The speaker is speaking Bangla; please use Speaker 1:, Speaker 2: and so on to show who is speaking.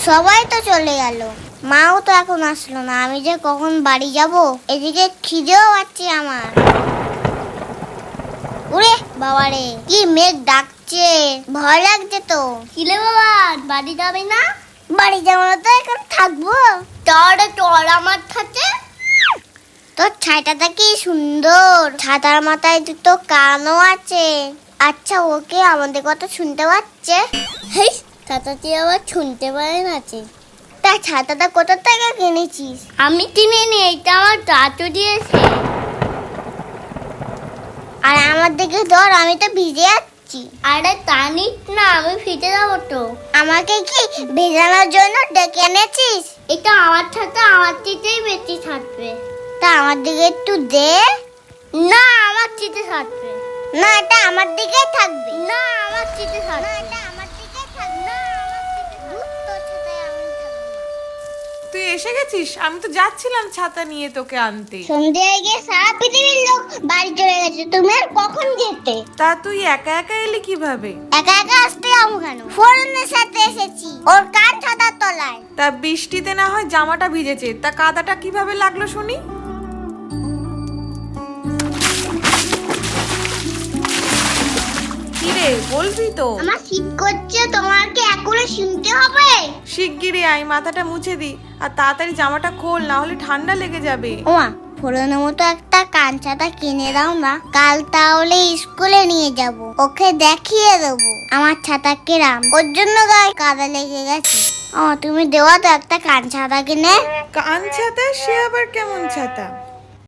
Speaker 1: সবাই তো চলে গেল, মাও তো এখন আসলো না। আমি যে কখন বাড়ি যাব, এদিকে খিদেও পাচ্ছে আমার। ওরে বাবারে, কি মেঘ ডাকছে, ভয় লাগছে তো। কিলে বাবা, বাড়ি যাবে না? বাড়ি যাবো না তো এখন থাকবো। চল আমার সাথে। তোর ছাইটাটা কি সুন্দর, ছাতার মাথায় দুটো কানও আছে। আচ্ছা, ওকে আমাদের কথা শুনতে পাচ্ছে? হেই, ছাতাটি আবার শুনতে পারে না। তা ছাতাটা কোথা থেকে কিনেছিস? আমি কিনিনি, এটা আমার দাদু দিয়েছে। আর আমার দিকে ধর, আমি তো ভিজে যাচ্ছি। আরে টানিস না, আমি ভিজে যাবো তো। আমাকে কি ভেজানোর জন্য ডেকে এনেছিস? এটা আমার ছাতা, আমার চিতেই বেশি থাকবে। তা আমার দিকে একটু দে। না, আমার চিতে থাকবে না, এটা আমার দিকে থাকবে না, আমার চিতে থাকবে না, এটা আমার দিকে থাকবে না, আমার চিতে থাকবে। তোর ছাতায় আমি থাকবো না।
Speaker 2: তুই এসে গেছিস? আমি তো যাচ্ছিলাম ছাতা নিয়ে তোকে আনতে।
Speaker 1: সন্ধ্যে হয়ে গিয়ে সারা পৃথিবীর লোক বাড়ি চলে গেছে, তুমি আর কখন যেতে?
Speaker 2: তা তুই একা একা এলি কিভাবে?
Speaker 1: একা একা আসতে যাবো কেন? ফোরনের সাথে এসেছি, ওর কান ছাতার তলায়।
Speaker 2: তা বৃষ্টিতে না হয় জামাটা ভিজেছে, তা কাদাটা কিভাবে লাগলো শুনি? কিরে, বলবি তো?
Speaker 1: আমার শীত করছে, তোমার কি এখনো শুনতে হবে?
Speaker 2: শিগগিরই আয়, মাথাটা মুছে দি, আর তাড়াতাড়ি জামাটা খোল, না হলে ঠান্ডা লেগে যাবে।
Speaker 1: ওমা, ফোরনের মতো একটা কান ছাতা কিনে দাও না, কাল তাহলে স্কুলে নিয়ে যাব, ওকে দেখিয়ে দেবো আমার ছাতা কিরাম। ওর জন্য গায়ে কাদা লেগে গেছে। তুমি দেওয়া তো একটা কান ছাতা কিনে।
Speaker 2: কান ছাতা? সে আবার কেমন ছাতা?